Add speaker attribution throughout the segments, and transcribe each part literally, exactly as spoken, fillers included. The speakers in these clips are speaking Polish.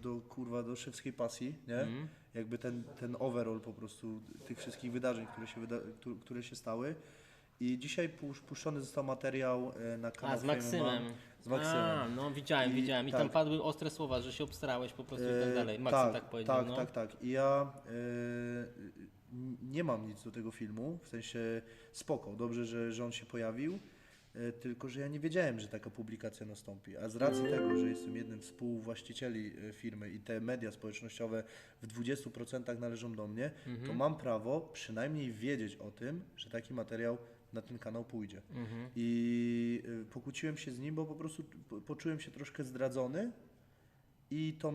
Speaker 1: do kurwa, do szewskiej pasji, nie?
Speaker 2: Mm.
Speaker 1: Jakby ten, ten overall po prostu tych wszystkich wydarzeń, które się, wyda któ- które się stały. I dzisiaj pusz- puszczony został materiał e, na kanał
Speaker 2: A, z Maksymem.
Speaker 1: Z Maksymem.
Speaker 2: A, no widziałem,
Speaker 1: I-
Speaker 2: widziałem. I
Speaker 1: tak.
Speaker 2: tam padły ostre słowa, że się obstrałeś po prostu i tak dalej. Maksym tak,
Speaker 1: tak,
Speaker 2: powiedział,
Speaker 1: tak,
Speaker 2: no.
Speaker 1: tak, tak. I ja e, nie mam nic do tego filmu, w sensie spoko, dobrze, że, że on się pojawił, e, tylko że ja nie wiedziałem, że taka publikacja nastąpi. A z racji tego, że jestem jednym z współwłaścicieli e, firmy i te media społecznościowe w dwudziestu procentach należą do mnie,
Speaker 2: Mhm.
Speaker 1: to mam prawo przynajmniej wiedzieć o tym, że taki materiał na ten kanał pójdzie.
Speaker 2: Mhm.
Speaker 1: I y, pokłóciłem się z nim, bo po prostu po- poczułem się troszkę zdradzony i to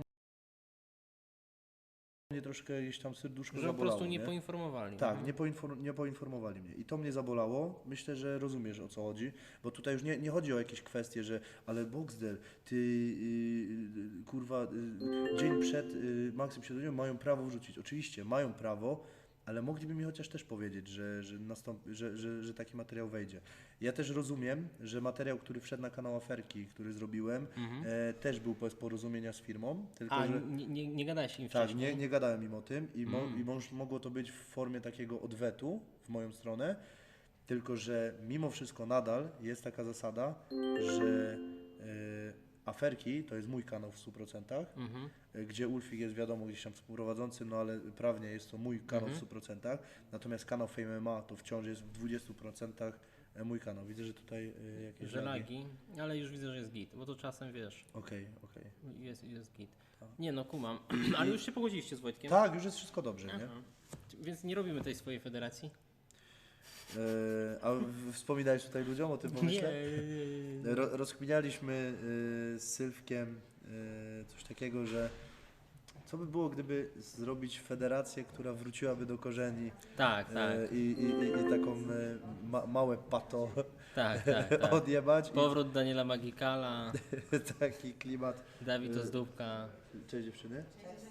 Speaker 1: mnie troszkę gdzieś tam serduszko
Speaker 2: Że po
Speaker 1: zabolało.
Speaker 2: prostu nie
Speaker 1: nie?
Speaker 2: poinformowali.
Speaker 1: Tak,
Speaker 2: no.
Speaker 1: nie, poinfor- nie poinformowali mnie i to mnie zabolało. Myślę, że rozumiesz, o co chodzi, bo tutaj już nie, nie chodzi o jakieś kwestie, że ale Boxdel, ty yy, kurwa, yy, dzień przed yy, Maksym Siedleniem mają prawo wrzucić. Oczywiście, mają prawo, ale mogliby mi chociaż też powiedzieć, że, że, nastąpi, że, że, że taki materiał wejdzie. Ja też rozumiem, że materiał, który wszedł na kanał Aferki, który zrobiłem,
Speaker 2: Mhm.
Speaker 1: e, też był bez porozumienia z firmą, tylko
Speaker 2: A,
Speaker 1: że...
Speaker 2: nie, nie, nie gadałeś im
Speaker 1: Tak,
Speaker 2: wcześniej?
Speaker 1: nie, nie gadałem im o tym i, mo,
Speaker 2: Mm.
Speaker 1: i moż, mogło to być w formie takiego odwetu w moją stronę, tylko że mimo wszystko nadal jest taka zasada, że e, Aferki to jest mój kanał w stu procentach,
Speaker 2: Mhm.
Speaker 1: e, gdzie Ulfik jest wiadomo gdzieś tam współprowadzącym, no ale prawnie jest to mój kanał
Speaker 2: Mhm.
Speaker 1: w stu procentach, natomiast kanał Fame M M A to wciąż jest w dwudziestu procentach mój kanał. Widzę, że tutaj e, jakieś
Speaker 2: Że
Speaker 1: lagi.
Speaker 2: lagi, ale już widzę, że jest git, bo to czasem wiesz,
Speaker 1: Okej, okej.
Speaker 2: jest, jest git.
Speaker 1: Tak.
Speaker 2: Nie no, kumam, ale już się pogodziliście z Wojtkiem?
Speaker 1: Tak, już jest wszystko dobrze, nie?
Speaker 2: Aha. Więc nie robimy tej swojej federacji?
Speaker 1: E, a w- wspominałeś tutaj ludziom o tym pomyśle?
Speaker 2: Nie.
Speaker 1: Ro, rozkminialiśmy y, z Sylwkiem y, coś takiego, że co by było, gdyby zrobić federację, która wróciłaby do korzeni
Speaker 2: Tak, tak,
Speaker 1: y, i, i, i, i taką y, ma, małe pato
Speaker 2: tak, tak, tak.
Speaker 1: odjebać
Speaker 2: Powrót Daniela Magikala,
Speaker 1: i taki klimat.
Speaker 2: Dawid Ozdóbka.
Speaker 1: Cześć dziewczyny.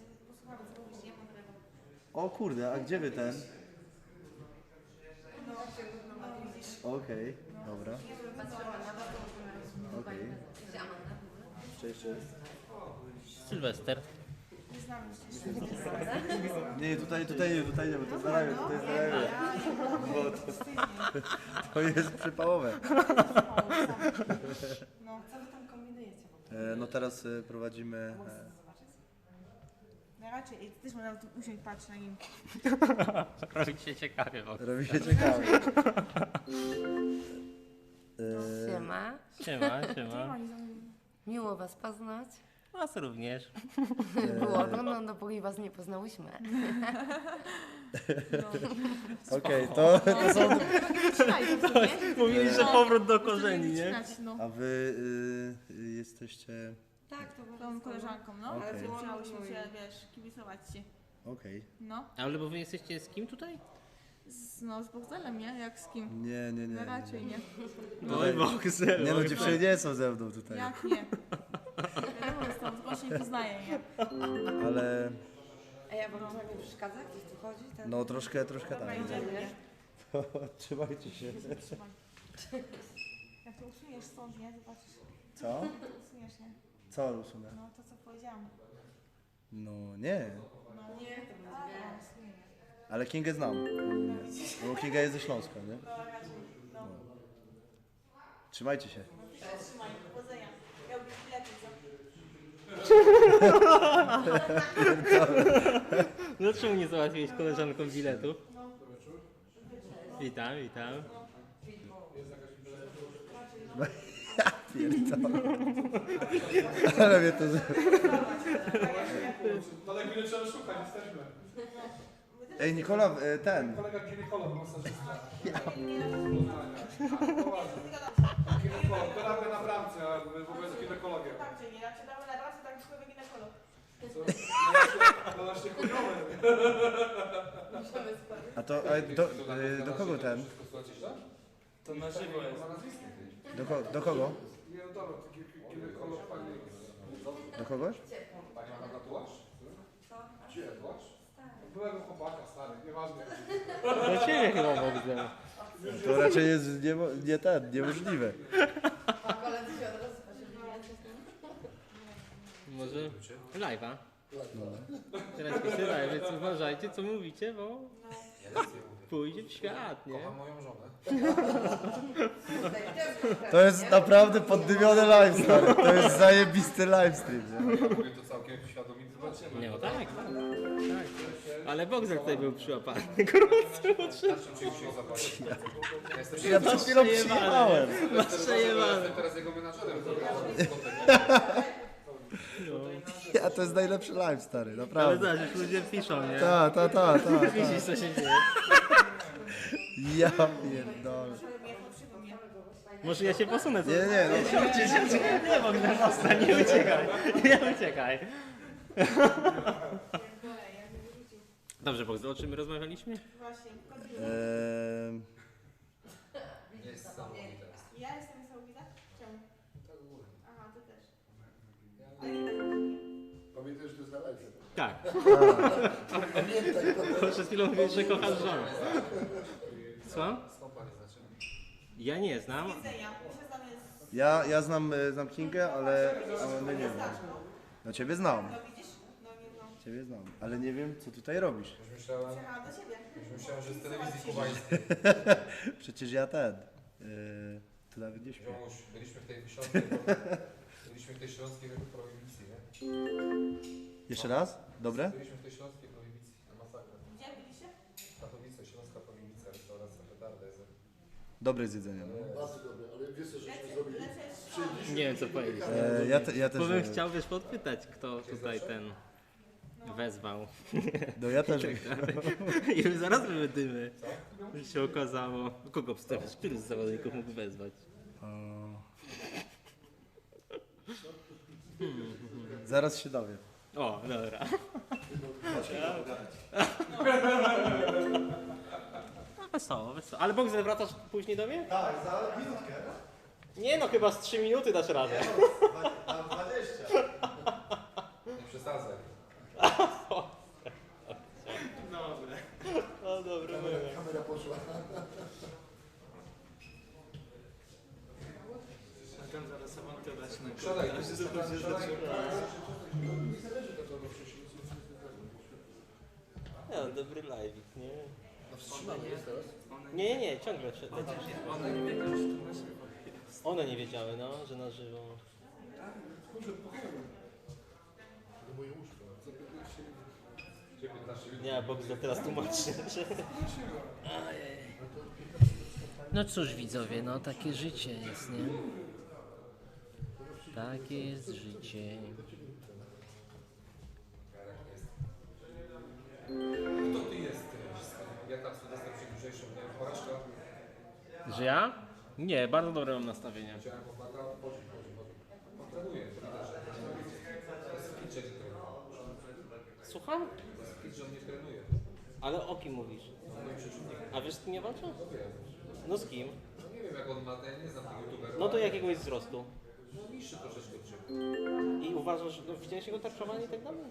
Speaker 1: O kurde, a gdzie wy ten? Okej, dobra. Okej. Cześć, cześć.
Speaker 2: Sylwester.
Speaker 1: Nie, tutaj, tutaj nie, tutaj nie, bo to jest na to jest na bo to, to jest przypałowe.
Speaker 3: No, co wy tam kombinujecie w ogóle?
Speaker 1: E, no teraz e, prowadzimy... E,
Speaker 3: No raczej, ty też można tu usiąść, patrzeć na nim.
Speaker 2: Robi się ciekawie w ogóle.
Speaker 1: robi się ciekawe. E,
Speaker 4: Siema,
Speaker 2: Siema, siema.
Speaker 3: Oni są...
Speaker 4: miło was poznać.
Speaker 2: Was również.
Speaker 4: Było, no, no dopóki was nie poznałyśmy.
Speaker 1: Okej, to, to są...
Speaker 3: Wycinaj to w sumie.
Speaker 2: Mówili, że powrót do korzeni, nie?
Speaker 3: Wycinać, no.
Speaker 1: A wy y, y, jesteście...
Speaker 4: Tak, to
Speaker 3: Tą koleżanką, no.
Speaker 1: Okej.
Speaker 3: Ale chciałyśmy się, wiesz, kibicować ci.
Speaker 1: Okej.
Speaker 3: No.
Speaker 2: Ale bo wy jesteście z kim tutaj?
Speaker 3: Z, no, z Bogdanem, nie? Jak z kim?
Speaker 1: Nie, nie, nie.
Speaker 3: No
Speaker 1: nie,
Speaker 3: raczej nie.
Speaker 2: Oj, Boxer.
Speaker 1: Nie no, dziewczyny nie są ze mną tutaj.
Speaker 3: Jak nie? Wiadomo, z tą zgłośnie nie poznaję, nie?
Speaker 1: Ale
Speaker 4: A ja wam nie przeszkadza? Gdzieś tu chodzi? Ten...
Speaker 1: no troszkę, troszkę
Speaker 3: Dobra,
Speaker 1: tak.
Speaker 3: idziemy, nie?
Speaker 1: Trzymajcie się.
Speaker 3: Trzymaj. Jak to usuniesz stąd, nie? Zobaczysz.
Speaker 1: Co?
Speaker 3: Usuniesz, nie?
Speaker 1: Co usunę?
Speaker 3: No, to co powiedziałam.
Speaker 1: No nie.
Speaker 3: No, nie, to będzie wiesz.
Speaker 1: Ale Kingę znam. Bo Kinga jest ze Śląska, nie?
Speaker 3: No, raczej, no.
Speaker 1: Trzymajcie się.
Speaker 3: Trzymaj, powodzenia. Ja lubię bilety, co?
Speaker 2: Dlaczego nie załatwiłeś koleżankom biletu? Witam, witam.
Speaker 1: Pierdolę. Ale mnie to...
Speaker 5: Daleko nie trzeba szukać, jesteśmy.
Speaker 1: Ej, Nikola, e, ten.
Speaker 5: Kolega ginekolog, masażysta. Ginekolog, terapię na bramce, a w ogóle jest ginekologiem.
Speaker 3: Tak, czyli jak się damy na raz, to tak człowiek ginekolog.
Speaker 5: Co? To nasz chujowy.
Speaker 1: A to, a do, e, do kogo ten?
Speaker 2: To na żywo jest.
Speaker 1: Do, ko, do kogo?
Speaker 5: Nie, no dobra, to gi- ginekolog pani...
Speaker 1: Do kogoś?
Speaker 5: Pani ma tatuaż? Co? Gdzie tatuaż? Byłego chłopaka, stary, nieważne.
Speaker 2: Do ciebie chyba Boxer.
Speaker 1: To raczej jest niemo, nie ten, niemożliwe.
Speaker 4: A koledzy się od razu patrzyli.
Speaker 2: Może live'a? Teraz wysyłaj, więc uważajcie co mówicie, bo
Speaker 5: Ja nic nie mówię.
Speaker 2: pójdzie w świat, nie?
Speaker 5: Kocham moją żonę.
Speaker 1: To jest naprawdę poddymiony live, stary. To jest zajebisty livestream, nie?
Speaker 5: Ja mówię to całkiem świadomie, zobaczymy.
Speaker 2: Nie, no tak, tak, tak. Ale Boxer tutaj był przyłapany, gorący
Speaker 5: Na czym się dzisiaj zobaczyć? Ja jestem
Speaker 1: Ja przed chwilą przyjechałem.
Speaker 2: Masz przejebane.
Speaker 5: Jestem teraz jego menadżerem.
Speaker 1: Ja, to jest najlepszy live, stary,
Speaker 2: Ale
Speaker 1: naprawdę.
Speaker 2: zobacz, już ludzie piszą, nie?
Speaker 1: Ta, ta, ta, ta, ta.
Speaker 2: Widzisz co się dzieje.
Speaker 1: Ja pierdolę.
Speaker 2: Może ja się posunę. co?
Speaker 1: Nie, nie, no.
Speaker 2: Nie, Bogdan, zostań, nie uciekaj. Nie uciekaj. Dobrze, Bogdan, o czym my rozmawialiśmy?
Speaker 3: Właśnie.
Speaker 1: Eee,
Speaker 5: Jest niesamowite.
Speaker 3: Ja jestem niesamowita? Czemu?
Speaker 5: Tak w ogóle.
Speaker 3: Aha, ty też. Ale nie tak.
Speaker 6: Pamiętaj, że to jest na live.
Speaker 2: Tak.
Speaker 6: Pamiętaj, to
Speaker 2: Przed chwilą mówiłeś, że kochasz żonę. Słucham?
Speaker 5: Skąd pani znaczy?
Speaker 2: Ja nie znam.
Speaker 3: Widzenia. My się znamy z...
Speaker 1: ja, ja znam, e, znam Kingę, ale, ale my nie wiem. No ciebie znam,
Speaker 3: No widzisz? No nie no.
Speaker 1: ciebie znam, ale nie wiem co tutaj robisz.
Speaker 5: Już myślałem,
Speaker 3: Przyjechałam do ciebie.
Speaker 5: już myślałem, że z telewizji kubańskiej.
Speaker 1: Przecież ja ten, yy, tu nawet nie śpię.
Speaker 5: Ziomuś, byliśmy w tej śląskiej, byliśmy w tej śląskiej prohibicji, nie?
Speaker 1: Jeszcze raz? Dobre?
Speaker 5: Byliśmy w tej śląskiej prohibicji, na masakrę.
Speaker 3: Gdzie byliście?
Speaker 5: Katowice, śląska prohibicja, restauracja petarda jest.
Speaker 1: Dobre jest jedzenie, no.
Speaker 6: bardzo dobre, ale wiesz co, żeśmy zrobili?
Speaker 3: Lecisz?
Speaker 2: Nie wiem co powiedzieć.
Speaker 1: E, ja, te, ja też
Speaker 2: Bo bym
Speaker 1: wiem.
Speaker 2: chciał wiesz podpytać, kto tutaj ten wezwał.
Speaker 1: No ja też wiem.
Speaker 2: I zaraz były dymy. Że się okazało. Kogo wstawisz? Który z zawodników mógł wezwać?
Speaker 1: O. Zaraz się dowiem.
Speaker 2: O, dobra. No, wesoło, wesoło. Ale Bogdan, wracasz później do mnie?
Speaker 1: Tak, za minutkę.
Speaker 2: Nie no, chyba z trzy minuty dasz radę.
Speaker 1: Na dwadzieścia.
Speaker 5: Nie przesadzaj.
Speaker 2: Dobre. No dobra,
Speaker 6: Kamera poszła.
Speaker 2: A tam zaraz awantura się na
Speaker 5: Siadaj, to jest siadaj.
Speaker 2: No, dobry live, nie?
Speaker 6: A wstrzymamy jest teraz?
Speaker 2: Nie, nie, nie, ciągle przed. One nie wiedziały, no, że na żywo.
Speaker 6: To moje łóżko.
Speaker 2: Nie, Bogdan teraz tłumaczy. Że... No cóż widzowie, no takie życie jest, nie? Takie jest życie.
Speaker 5: Kto ty jesteś? Ja tam Sylwester Przedłużejszy, miałem porażka.
Speaker 2: Że ja? Nie, bardzo dobre mam nastawienie.
Speaker 5: Chciałem chłopaka, chodzi, chodzi, chodzi. On trenuje, to widać, że to jest fit, że nie trenuje.
Speaker 2: Słucham?
Speaker 5: To jest fit, że on nie trenuje.
Speaker 2: Ale o kim mówisz?
Speaker 5: On moim przeciwnikiem.
Speaker 2: A wiesz z kim nie walczą?
Speaker 5: No wiem.
Speaker 2: No z kim?
Speaker 5: No nie wiem jak on ma, ja nie znam tego youtubera.
Speaker 2: No to jakiegoś wzrostu.
Speaker 5: No niższy troszeczkę od ciebie.
Speaker 2: I uważasz, no widziałeś jego tarczowanie i tak dalej?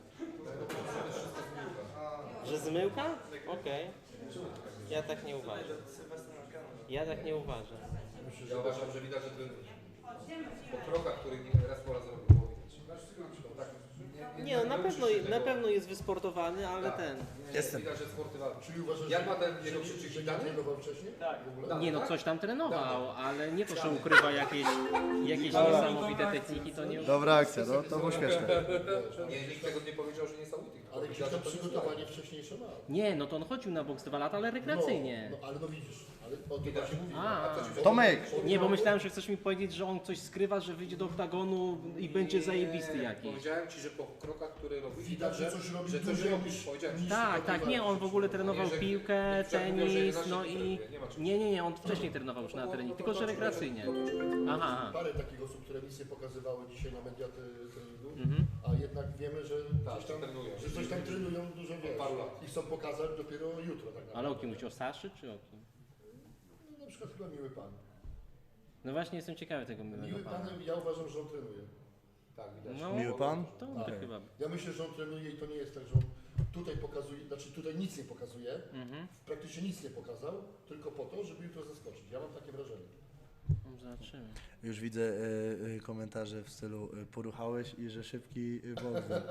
Speaker 2: Że zmyłka? Okej. Ja tak nie uważam. Ja tak nie uważam.
Speaker 5: Ja uważam, że widać, że trenuje. Po krokach, których nie raz po raz robił, było widać. To tak, nie,
Speaker 2: Nie no, na
Speaker 5: nie
Speaker 2: pewno,
Speaker 5: uczysz się
Speaker 2: na
Speaker 5: tego.
Speaker 2: pewno jest wysportowany, ale
Speaker 5: Tak.
Speaker 2: ten...
Speaker 5: Nie,
Speaker 1: Jestem.
Speaker 5: Widać, że sportywalny.
Speaker 6: Czyli uważasz,
Speaker 5: Jak ma ten
Speaker 6: że,
Speaker 5: jego
Speaker 6: że, że
Speaker 5: przeciwnik
Speaker 6: nie
Speaker 5: dany?
Speaker 6: trenował wcześniej? Tak. W ogóle?
Speaker 2: Nie no, coś tam trenował, ale nie to, że ukrywa jakieś, jakieś niesamowite techniki, to nie...
Speaker 1: Dobra akcja, no to było śmieszne.
Speaker 5: Nie, nikt tego nie powiedział, że niesamowity.
Speaker 6: Ale gdzieś tam przygotowanie wcześniejsze ma.
Speaker 2: Nie, no to on chodził na boks dwa lata, ale rekreacyjnie.
Speaker 6: No, no ale no widzisz, ale o tym właśnie mówimy.
Speaker 2: A,
Speaker 1: Tomek!
Speaker 2: nie, bo myślałem, że chcesz mi powiedzieć, że on coś skrywa, że wyjdzie do oktagonu i będzie zajebisty jakiś.
Speaker 5: Powiedziałem ci, że po krokach, które robi,
Speaker 6: Widać, że coś robi
Speaker 5: że coś
Speaker 6: dłużej
Speaker 5: robisz.
Speaker 6: niż-
Speaker 5: Powiedziałem ci.
Speaker 6: niż-
Speaker 2: Tak, tak, nie, on w ogóle trenował
Speaker 5: Nie, że-
Speaker 2: piłkę,
Speaker 5: niektórzy mówią, że
Speaker 2: tenis,
Speaker 5: jedenaście
Speaker 2: no
Speaker 5: nie
Speaker 2: i...
Speaker 5: trenuje, nie ma czym.
Speaker 2: Nie, nie, nie, on wcześniej trenował już na trening, tylko że rekreacyjnie. Aha, aha.
Speaker 6: Parę takich osób, które misje pokazywały dzisiaj na media te- treningu,
Speaker 2: Mhm.
Speaker 6: a jednak wiemy, że
Speaker 5: Tak,
Speaker 6: coś tam,
Speaker 5: trenują.
Speaker 6: że coś tam trenują dużo wiesz.
Speaker 5: paru lat.
Speaker 6: I chcą pokazać dopiero jutro tak naprawdę.
Speaker 2: Ale o kim mówisz, o Saszy czy o kim?
Speaker 6: No, na przykład chyba Miły Pan.
Speaker 2: No właśnie jestem ciekawy tego miłego
Speaker 6: Miły
Speaker 2: pana.
Speaker 6: Pan, ja uważam, że on trenuje.
Speaker 5: Tak, widać.
Speaker 2: No,
Speaker 1: Miły pan?
Speaker 2: to
Speaker 6: Tak.
Speaker 2: tak chyba.
Speaker 6: Ja myślę, że on trenuje i to nie jest tak, że on tutaj pokazuje, znaczy tutaj nic nie pokazuje,
Speaker 2: Mhm.
Speaker 6: praktycznie nic nie pokazał, tylko po to, żeby jutro zaskoczyć. Ja mam takie wrażenie.
Speaker 2: zobaczymy.
Speaker 1: Już widzę e, e, komentarze w stylu e, poruchałeś i że szybki e, Boxdel.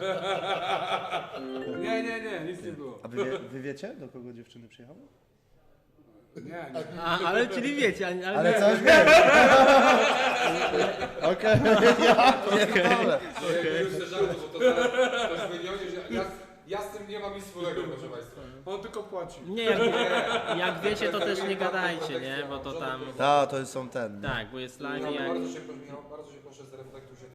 Speaker 5: Nie, nie, nie, nic nie było.
Speaker 1: A wy, wie, wy wiecie, do kogo dziewczyny przyjechały?
Speaker 5: Nie, nie.
Speaker 2: A, ale czyli wiecie, ale, ale,
Speaker 1: Ale
Speaker 2: nie.
Speaker 1: coś wiem. Okej, ja pierdolę.
Speaker 5: No jakby już ze żartu, bo to zaraz ktoś wywiąże, że ja, ja z tym nie mam nic wspólnego, proszę Państwa. On tylko płaci.
Speaker 2: Nie, jak, jak wiecie, to też nie gadajcie, nie? Bo to tam...
Speaker 1: Ta, to są ten. nie?
Speaker 2: Tak, bo jest live i
Speaker 5: Michał,
Speaker 2: jak...
Speaker 5: bardzo się, proszę, Michał, bardzo się proszę, zreflektuj się